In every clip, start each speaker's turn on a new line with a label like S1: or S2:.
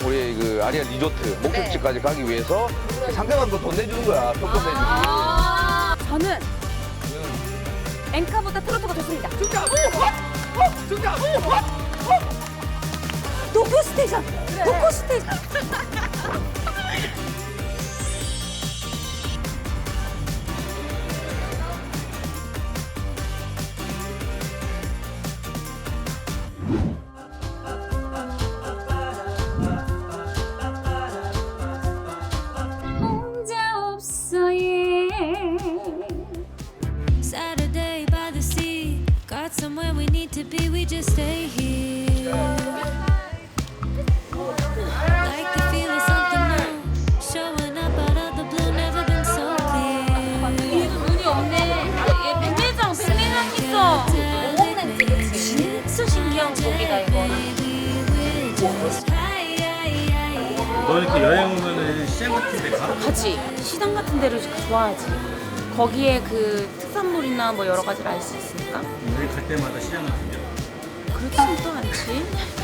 S1: 우리 그 아리아 리조트 목적지까지 가기 위해서 상대방도 돈 내주는 거야. 조건 내주기.
S2: 저는 엔카보다 트로트가 좋습니다. 도쿄 스테이션. 도쿄 스테이션. 혼자 없어 예.
S3: Saturday by the sea, got somewhere we need to be, we just stay here. Like the feel of something new, showing up out of the blue, never been so clear.
S2: 눈이 없네. 얘 백내장 있어. 오목렌즈 그치? 진짜 신기한 곡이다 이거는.
S4: 너 이렇게 여행 오면은 시장 같은 데 가?
S2: 가지. 시장 같은 데를 좋아하지. 거기에 그 특산물이나 뭐 여러 가지를 알 수 있으니까.
S4: 우리 갈 때마다 시장 같은 데.
S2: 그렇지는 또 않지.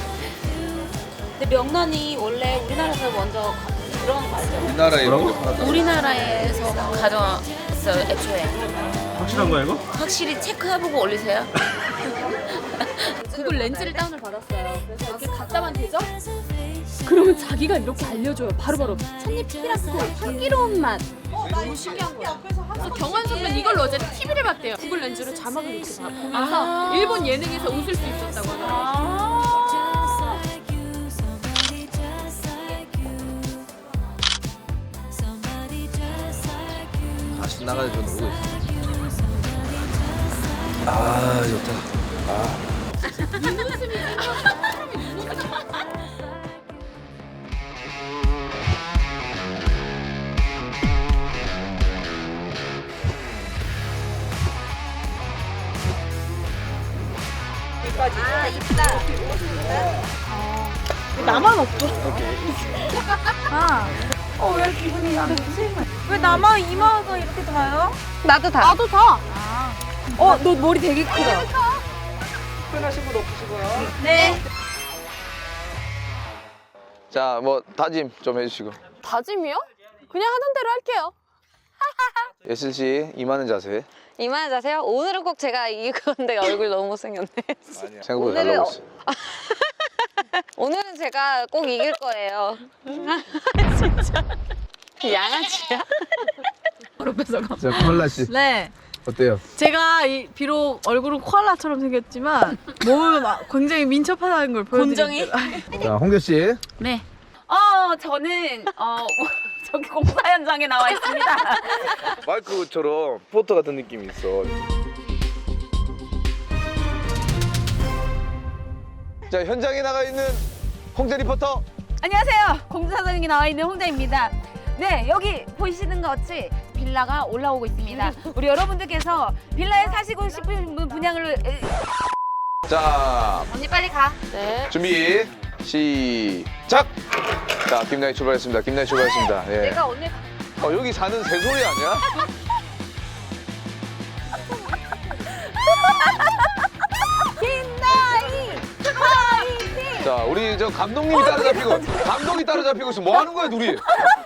S2: 근데 명란이 원래 우리나라에서 먼저 들어간 거 알죠?
S1: 우리나라에
S2: 우리나라에서 가져왔어요 애초에.
S4: 확실한 거야 이거?
S2: 확실히 체크해보고 올리세요. 구글 렌즈를 다운을 받았어요. 그래서 이렇게 갖다만 대죠? 그러면 자기가 이렇게 알려줘요. 바로바로. 찻잎 피라스 향기로운 맛. 너무 신기한 거야. 그래서 경환 선배는 이걸로 어제 TV를 봤대요. 구글 렌즈로 자막을 이렇게 보면서 일본 예능에서 웃을 수 있었다고 하더라고요.
S1: 다시 나가야 저 놀고 있어. 아 좋다.
S2: 나만 없어. 왜 기분이 왜 나만 이마가 이렇게 다요? 나도 다. 나도 다. 너 머리 되게 크다.
S1: 편하신 분 없으시고요.
S2: 네.
S1: 자, 뭐 다짐 좀 해주시고.
S5: 다짐이요? 그냥 하던 대로 할게요.
S1: 예슬 씨 이만한 자세.
S5: 이만한 자세요? 오늘은 꼭 제가 이길 건데 얼굴 너무 못생겼네.
S1: 생각보다 잘 나오고 있어.
S5: 오늘은 제가 꼭 이길 거예요. 진짜. 양아치야?
S1: 자, 콜라 씨
S6: 네,
S1: 어때요?
S6: 제가 비록 얼굴은 코알라처럼 생겼지만 몸은 굉장히 민첩하다는 걸 보여드릴게요.
S1: 자, 홍교 씨.
S2: 네. 저는 저기 공사 현장에 나와 있습니다.
S1: 마이크처럼 포터 같은 느낌이 있어. 자, 현장에 나가 있는 홍재 리포터.
S2: 안녕하세요. 공사 현장에 나와 있는 홍자입니다. 네, 여기 보시는 것 같이 빌라가 올라오고 있습니다. 우리 여러분들께서 빌라에 사시고 싶은 분양을
S1: 자,
S2: 언니 빨리 가.
S5: 네.
S1: 준비 시작. 자, 김나희 출발했습니다. 김나희 출발했습니다. 예.
S2: 내가 언니
S1: 여기 사는 새소리 아니야?
S2: 김나희 파이팅!
S1: 자, 우리 저 감독님이 따라잡히고 감독이 따라잡히고 있어. 뭐 하는 거야, 둘이?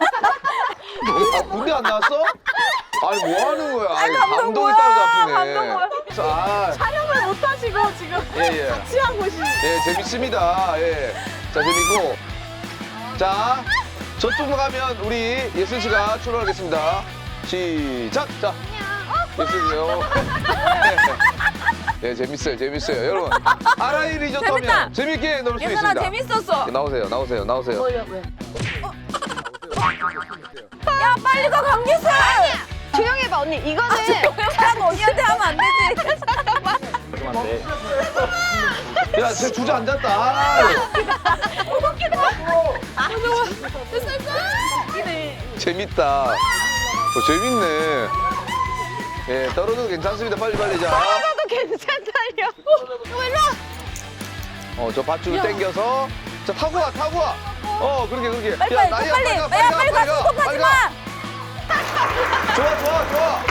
S1: 군대 안 나왔어? 아니, 뭐 하는 거야? 아니, 감독이 따라잡히네.
S6: 촬영을 못 하시고 지금
S1: 예.
S6: 취한 곳이.
S1: 예, 재밌습니다. 예. 자, 재밌고. 자, 저쪽 가면 우리 예슬 씨가 출발하겠습니다. 시작! 자, 예슬 씨요. 예, 재밌어요. 여러분, 아라이 리조트 하면 재밌게 놀 수 있습니다.
S2: 재밌었어.
S1: 나오세요.
S2: 야, 빨리 가, 강기수!
S5: 조용히 해봐, 언니. 이거는.
S2: 난 언니한테 하면 안 되지.
S1: 야, 쟤 주저앉았다. 재밌다. 재밌네. 예, 떨어져도 괜찮습니다. 빨리 자.
S5: 떨어져도 괜찮다요.
S1: 저 밧줄 당겨서. 자, 타고 와. 그렇게.
S2: 빨리,
S1: 나이야,
S2: 빨리 가, 스톱하지 마!
S1: 좋아.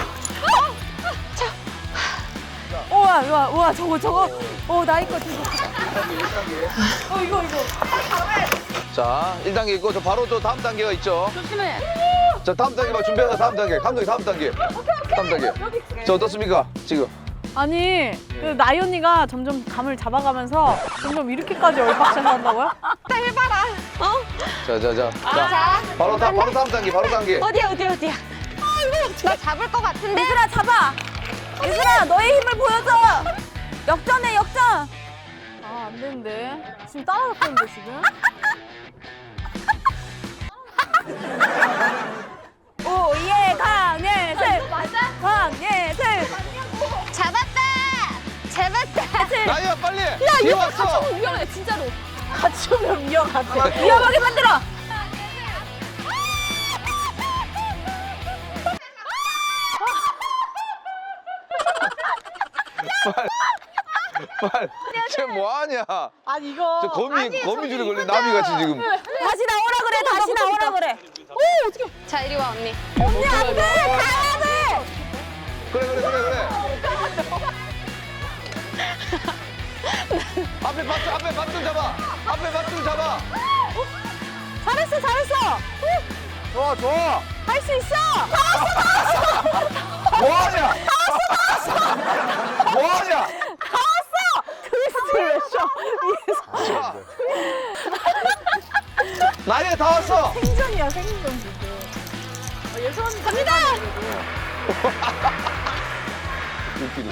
S2: 우와, 저거. 나이 거 되게. 이거.
S1: 자, 1단계 있고 저 바로 저 다음 단계가 있죠.
S2: 조심해.
S1: 자, 다음 단계가 준비하자. 다음 단계. 감독님 다음 단계. 다음 단계. 자, 어떻습니까? 지금.
S6: 아니 그 나이 언니가 점점 감을 잡아가면서 점점 이렇게까지 얼박자서 한다고요?
S1: 자. 바로 다음 단계. 바로 단계.
S5: 어디야? 나 잡을 것 같은데?
S6: 얘들아 잡아! 얘들아 너의 힘을 보여줘! 역전해 역전! 아 안 되는데 지금 따라잡혔는데 지금? 오예 강예슬! 맞아? 강예슬!
S5: 잡았다!
S1: 나이야 빨리. 뒤에 왔어.
S2: 위험해 진짜로.
S6: 같이 오면 위험하대 위험하게 만들어!
S1: 빨리. 쟤 뭐하냐?
S6: 아니 이거
S1: 저 거미줄에 걸린 나비같이 지금.
S6: 다시 나오라 그래 다시 나오라 그래
S5: 자, 이리 와, 언니.
S6: 언니 안돼 가야 돼!
S1: 그래. 앞에 밧줄 잡아. 앞에 밧줄 잡아.
S6: 잘했어
S1: 좋아.
S6: 할 수 있어!
S1: 뭐하냐? 뭐하냐?
S6: 트위스트를 왜 쳐? 위에서
S1: 자. 나이야 다 왔어.
S6: 생존이야 생존 지금 예선 갑니다!
S1: 웃기네.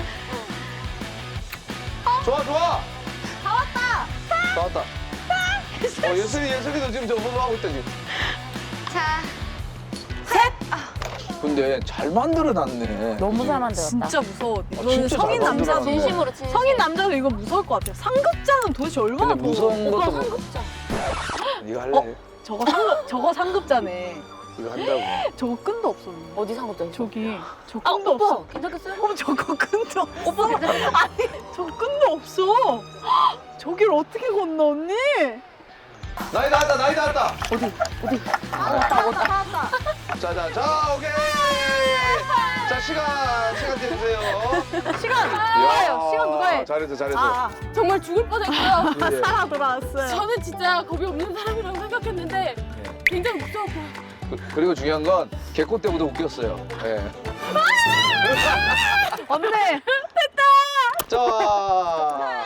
S1: 좋아. 다 왔다. 예슬이도 지금 저거 하고 있다 지금.
S5: 자,
S1: 근데 잘 만들어놨네.
S6: 너무 잘 만들었다 진짜 무서워 너는
S1: 진짜
S6: 성인
S1: 잘
S6: 남자도
S1: 만들어놨네.
S2: 진심으로 진심.
S6: 성인 남자도 이거 무서울 것 같아 상급자는 도대체 얼마나
S1: 근데 무서운
S6: 오빠
S1: 것도
S6: 상급자
S1: 네가 할래?
S6: 저거 상급자네
S1: 이거 한다고.
S6: 저거 끈도 없었네
S2: 어디 상급자?
S6: 저기 저
S2: 아
S6: 끈도
S2: 오빠
S6: 없어
S2: 괜찮겠어요?
S6: 저거 끈도
S2: 오빠 괜찮겠어요?
S6: 아니 저 끈도 없어 저길 어떻게 건너 언니
S1: 나이 나왔다.
S2: 어디?
S1: 자, 오케이. 자, 시간 재주세요.
S6: 시간
S1: 이야,
S6: 시간 누가 해
S1: 잘했어.
S6: 아
S2: 정말 죽을 뻔했고요.
S1: 예.
S6: 살아 돌아왔어요
S2: 저는 진짜 겁이 없는 사람이라고 생각했는데 굉장히 무서웠고.
S1: 그리고 중요한 건 개코 때보다 웃겼어요. 예.
S6: 언니
S1: 자.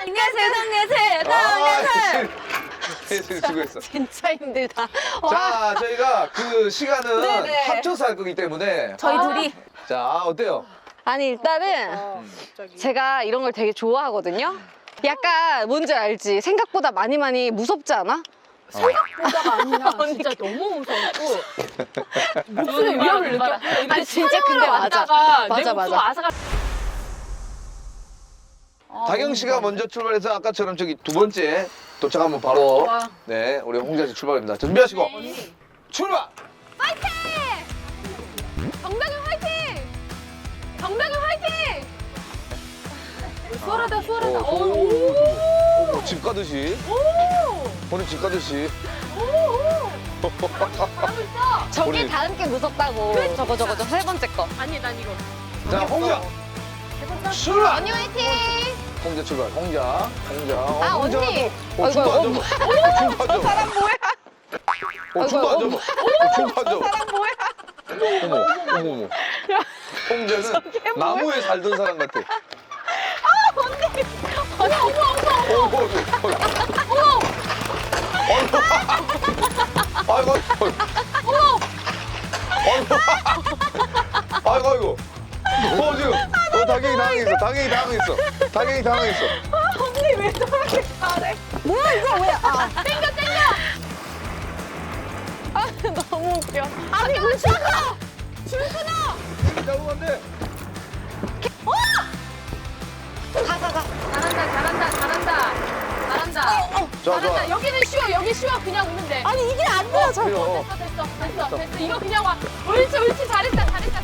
S1: 예슬이 수고했어.
S5: 진짜 힘들다.
S1: 자, 저희가 그 시간은
S5: 네네.
S1: 합쳐서 할 거기 때문에.
S6: 저희 둘이
S1: 자, 어때요?
S5: 아니, 일단은 제가 이런 걸 되게 좋아하거든요. 약간 뭔지 알지? 생각보다 많이 무섭지 않아?
S2: 보다가 아니라 진짜 너무 무서웠고 목숨의 위협을 느꼈고.
S5: 아니, 진짜 근데 맞아.
S2: 내 목숨 아사가.
S1: 다경 씨가 먼저 출발해서 아까처럼 저기 두 번째 도착하면 바로 네, 우리 홍자 씨 출발입니다. 준비하시고 출발!
S2: 정당현 화이팅! 수월하다.
S1: 집 가듯이. 오늘 집 가듯이.
S5: 저게
S1: 우리-
S5: 다음 게 무섭다고. 저거 세 번째 거.
S2: 아니 난 이거.
S1: 자, 홍자 출발!
S5: 언니 화이팅!
S1: 홍자 출발. 홍자.
S5: 아,
S1: 홍자.
S5: 언니.
S1: 중도 안 잡아. 중도 안 잡아.
S5: 사람 뭐야?
S1: 중도 안
S5: 어이구,
S1: 잡아. 중도 안 잡아.
S5: 사람 뭐야?
S1: 어머. 홍자는 나무에 살던 사람 같아. 아이고. 지금 당연히 당황했어.
S6: 언니 왜 저렇게 잘해 뭐야 이거 왜
S5: 너무 웃겨.
S6: 아니 울잖아
S1: 잡으면 안 돼.
S5: 가.
S2: 잘한다.
S1: 좋아.
S2: 여기는 쉬워. 여기 쉬워. 그냥 오면 돼.
S6: 아니 이게 안 돼요 저
S1: 그래요.
S2: 됐어. 이거 그냥 와. 옳지. 잘했다.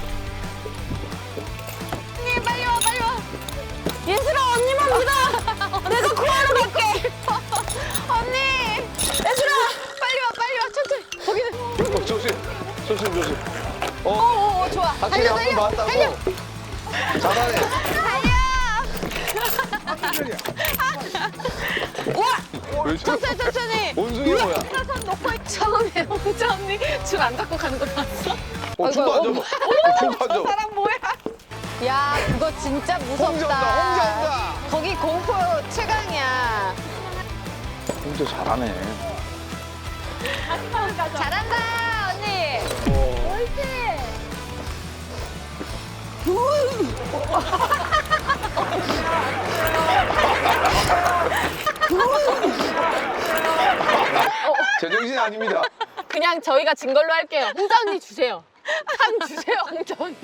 S5: 언니, 빨리 와.
S6: 예슬아 언니만 믿어 내가 구하러 갈게
S5: 언니! 얘들아! 빨리 와. 천천히.
S1: 조심.
S5: 좋아.
S1: 확실히 한 번 맞다고. 잘하네. 왜 저래?
S5: 천천히.
S1: 원숭이 뭐야?
S5: 처음에 홍자 언니 줄 안 갖고 가는 거 봤어?
S1: 줄도 안 잡아. 줄도 안 잡아.
S5: 사람 뭐야? 야, 그거 진짜 무섭다.
S1: 홍자 온다, 홍자 온다.
S5: 거기 공포 최강이야.
S1: 홍자 잘하네.
S5: 잘한다, 언니.
S1: 제정신이 아닙니다.
S2: 그냥 저희가 진 걸로 할게요. 홍자 언니 주세요. 한 주세요, 홍자 언니.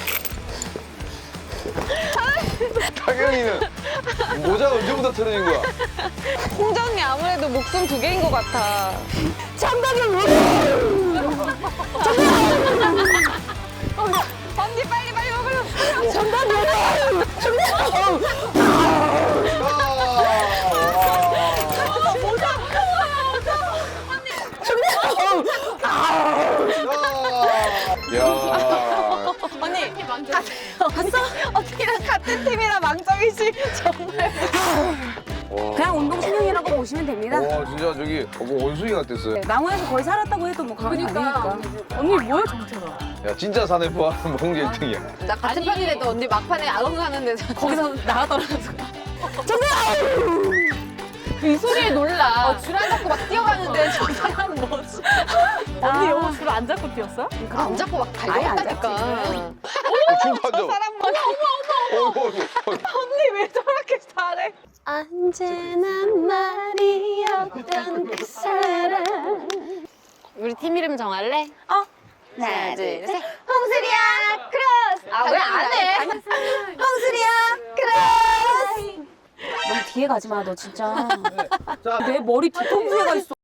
S1: 타경이는 모자 언제부터 틀어진 거야?
S5: 홍자 언니 아무래도 목숨 2개인 것 같아. 언니 빨리 먹으려.
S1: 야.
S5: 언니 봤어? 언니랑 같은 팀이라 망정이지 정말.
S6: 그냥 운동신경이라고 보시면 됩니다.
S1: 와 진짜 저기 원숭이 같았어요.
S6: 나무에서 거의 살았다고 해도 뭐 아니니까.
S2: 언니 뭐야 정체가?
S1: 야 진짜 사내 포함 홍제 1등이야.
S5: 나 같은 편인데도 언니 막판에 안 가는데
S2: 거기서 나가더라도. 이 소리에 놀라.
S5: 줄 안 잡고 막 뛰어가는데 저 사람 뭐지?
S6: 언니 영어 줄 안 잡고 뛰었어?
S5: 안 잡고 막
S6: 아예 안
S5: 달려갔다니까.
S1: 줄도 안 잡아.
S5: 사람 뭐야? 언니 왜 저렇게 잘해? 언제나 말이 없던 그 사람. 우리 팀 이름 정할래? 하나, 둘, 셋. 홍수리야 크로스. 아, 왜 안 해? 홍수리야 크로스.
S6: 너무 뒤에 가지 마, 너 진짜.
S1: 자,
S6: 내 머리 뒤통수에 가 있어.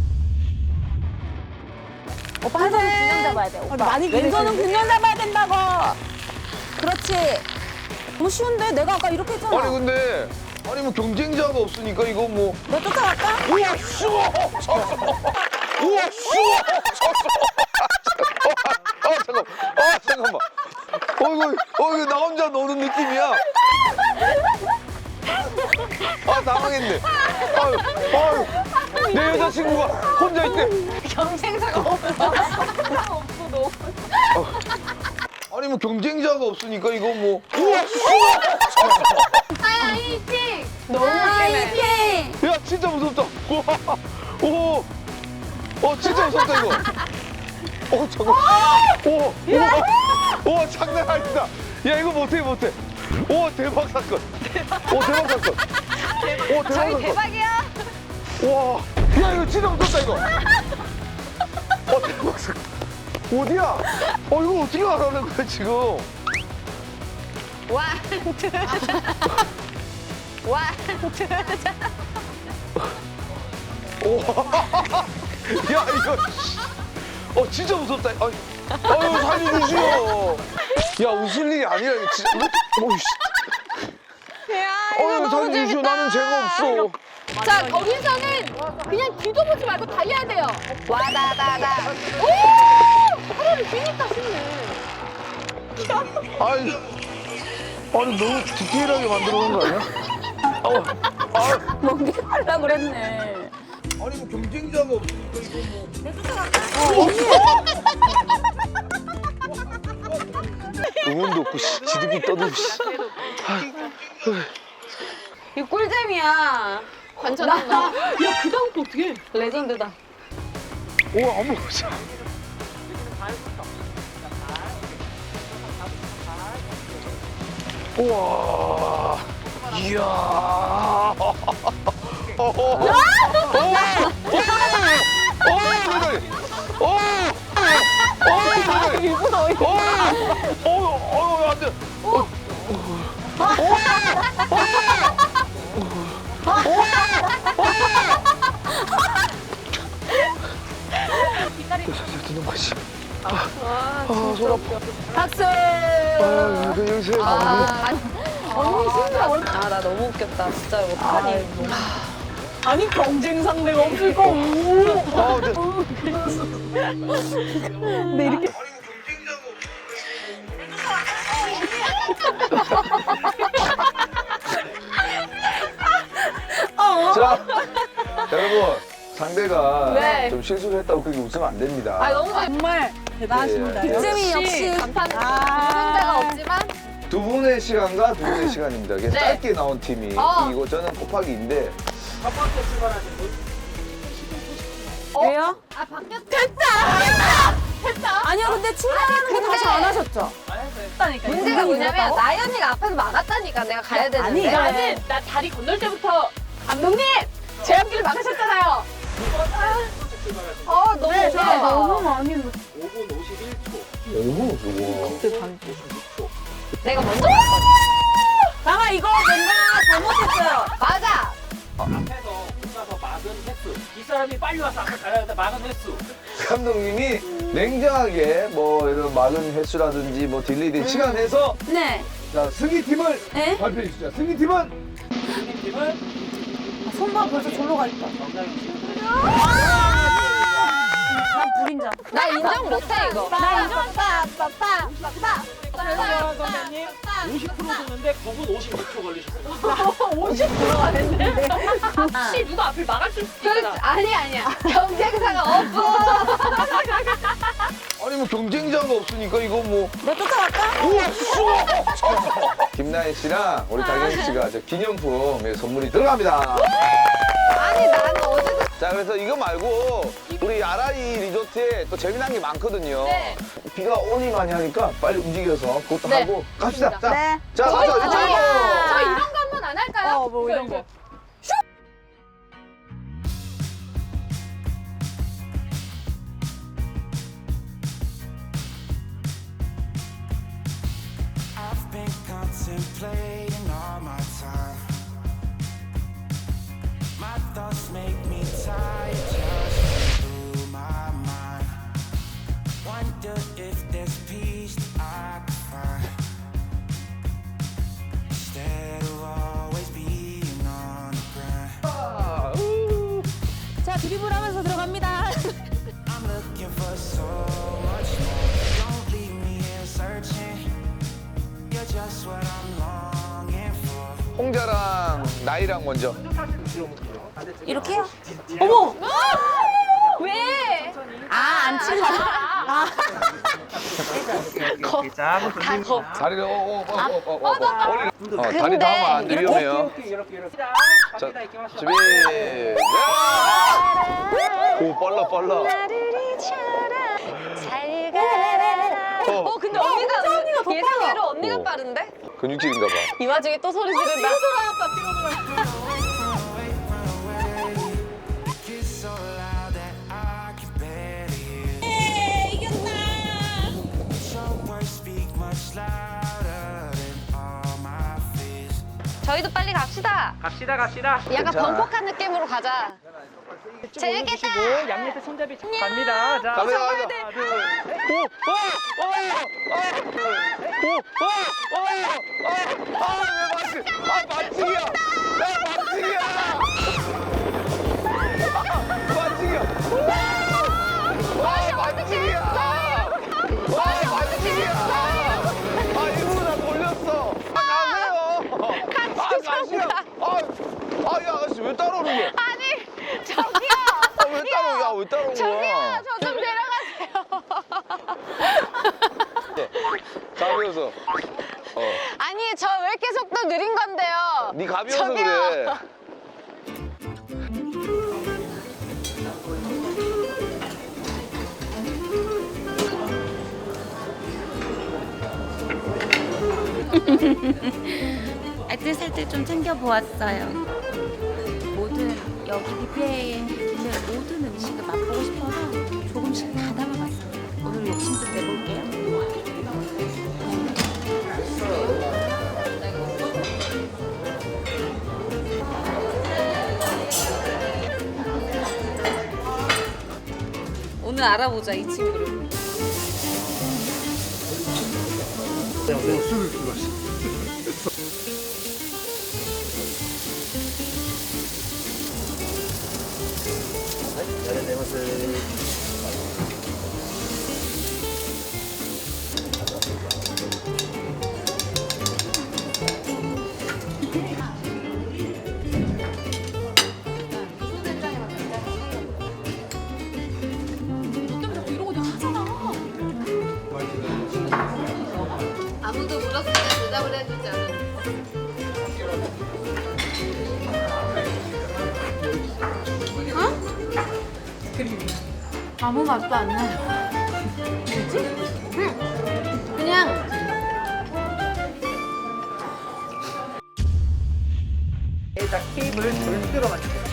S6: 오빠 한 손은 균형 잡아야 돼. 오빠. 왼손은 균형 잡아야 된다고. 그렇지. 너무 쉬운데? 내가 아까 이렇게 했잖아.
S1: 아니 근데 아니 뭐 경쟁자가 없으니까 이거 뭐.
S6: 내가 쫓아갈까?
S1: 우와 쉬워. 우와 쉬워. 잠깐만. 이거 나 혼자 노는 느낌이야. 당황했네. 내 여자친구가 혼자 있대.
S5: 경쟁사가 없어.
S1: 아니 뭐 경쟁자가 없으니까 이거 뭐.
S5: 파이팅!
S6: 너무 웃기네.
S1: 야 진짜 무섭다. 오. 진짜 무섭다 이거. 잠깐. 오 장난 아니다. 야 이거 못해. 오 대박 사건. 대박 사건. 대박 사건.
S5: 대박이야.
S1: 와, 야 이거 진짜 무섭다 이거. 대박 사건. 어디야? 이거 어떻게 알아낸 거야 지금?
S5: 원, 투, 원, 투.
S1: 야 이거. 진짜 무섭다. 아유 살려주시오. 야 웃을 일이 아니라 이거 진짜.
S5: 야, 이거 너무
S1: 살려주시오.
S5: 재밌다.
S1: 나는 죄가 없어.
S2: 자, 거기서는 그냥 뒤도 보지 말고 달려야 돼요.
S5: 와다다다.
S2: 사람이 뛰니까 쉽네.
S1: 아니 너무 디테일하게 만들어 놓은 거 아니야?
S6: 먹게 하려고 그랬네.
S1: 아니 뭐 경쟁자가 없으니까 이거 뭐. 응원도 없고 지들끼리 떠들고.
S5: 이거 꿀잼이야.
S2: 관전한다. 야, 그 다음 거 어떻게 해?
S5: 레전드다.
S1: 어머. 우와. 이야. 안 돼. 듣는 거지. 손 아파.
S6: 박수.
S1: 여기서
S6: 언니 힘들어.
S5: 나 너무 웃겼다. 진짜 어떡하니.
S6: 아니 경쟁 상대가 없을 거. 근데 이렇게
S1: 자, 여러분 상대가
S2: 네.
S1: 좀 실수를 했다고 그렇게 웃으면 안 됩니다.
S6: 정말 대단하십니다.
S1: 예, 예.
S6: 득점이 역시
S2: 간판에
S6: 아.
S2: 그런 데가 없지만
S1: 두 분의 시간과 두 분의 시간입니다. 이게
S2: 네.
S1: 짧게 나온 팀이
S2: 어.
S1: 이기고 저는 곱하기 2인데
S4: 첫 번째 출발하신 분
S6: 왜요?
S2: 아 바뀌었 됐다.
S6: 아니요, 근데 출발하는 거 다시 안 하셨죠?
S5: 문제가 뭐냐면 나연이가 앞에서 막았다니까 내가 가야 되는데.
S2: 나는 나 다리 건널 때부터 감독님 제 앞길을 막으셨잖아요.
S5: 너무
S6: 네,
S5: 오버다.
S6: 너무 많이
S4: 5분 51초.
S1: 너무 좋아.
S5: 내가 먼저
S6: 나가 이거 뭔가 잘못했어요.
S5: 맞아.
S4: 앞에서 혼자서 막은 횟수. 이 사람이 빨리 와서 앞에 가야 되는데 막은 횟수.
S1: 감독님이 냉정하게 뭐 이런 막은 횟수라든지 뭐 딜레이된 시간 내서
S6: 네.
S1: 자 승리팀을
S6: 네?
S1: 발표해 주시죠. 승리팀은
S4: 팀은
S6: 손봐 벌써 절로 가 있다.
S4: 정다경 씨.
S6: 난 불인자.
S5: 나 인정 못해 이거.
S6: 나 인정.
S4: 정다경 선배님 50% 도는데 9분 56초 걸리셨어요.
S2: 50%가 됐네. 혹시 누가 앞을 막았을 수도 있잖아.
S5: 아니야. 경쟁사가 없어.
S1: 아니 뭐 경쟁자가 없으니까 이거 뭐
S6: 너 쫓아갈까?
S1: 김나연 씨랑 우리 다경 씨가 저 기념품 선물이 들어갑니다.
S5: 아니 나는 어제도
S1: 자 그래서 이거 말고 우리 아라리 리조트에 또 재미난 게 많거든요.
S2: 네.
S1: 비가 오니 많이 하니까 빨리 움직여서 그것도
S2: 네.
S1: 하고 갑시다. 자,
S6: 네.
S1: 자 가자.
S2: 저 이런 거 한번 안 할까요?
S6: 뭐 이런 거.
S7: I've been contemplating all my time. My thoughts make me tired just through my mind. Wonder if there's peace I could find instead of always being on the grind.
S6: 자, 드리블하면서 들어갑니다.
S7: I'm looking for so much more. Don't leave me here searching. You're just what I'm longing for.
S1: 홍자랑 나이랑 먼저.
S6: 이렇게요?
S2: 왜?
S6: 안 치고.
S4: 이렇게 자, 한번 돌립니다.
S1: 다리를 다리 닿으면 안 돼. 위험해요.
S4: 이렇게. 자,
S1: 자,
S4: 갑니다. 이렇게 마시고.
S1: 준비. 오 빨라.
S5: 잘 가라. 근데 언니가
S6: 더
S5: 예상대로 언니가 빠른데?
S1: 근육질인가 봐.
S5: 이 와중에 또 소리 지른다.
S7: It's so loud that I can barely hear. Your words speak much louder than all my fears.
S5: 저희도 빨리 갑시다.
S4: 갑시다.
S5: 약간
S1: 괜찮아.
S5: 번복한 느낌으로 가자. 재밌겠다.
S4: 양옆에 손잡이 갑니다. 자,
S1: 가자.
S4: 하나, 둘.
S1: 왜 따라오는 거야?
S5: 아니 저기요.
S1: 왜 따라오는 거야?
S5: 저 좀 데려가세요.
S1: 가면서.
S5: 아니 저 왜 이렇게 속도 느린 건데요?
S1: 네 가벼워서
S5: 저기요.
S1: 그래.
S8: 알뜰살뜰 좀 챙겨보았어요. 모든 여기 뷔페에 있는 모든 음식을 맛보고 싶어서 조금씩 다 담아봤어요. 오늘 욕심 좀 내볼게요.
S5: 오늘 알아보자 이 친구를.
S2: 아무 맛도 안 나요.
S5: 그냥
S4: 자, 케이블을 절대로 맞추세요.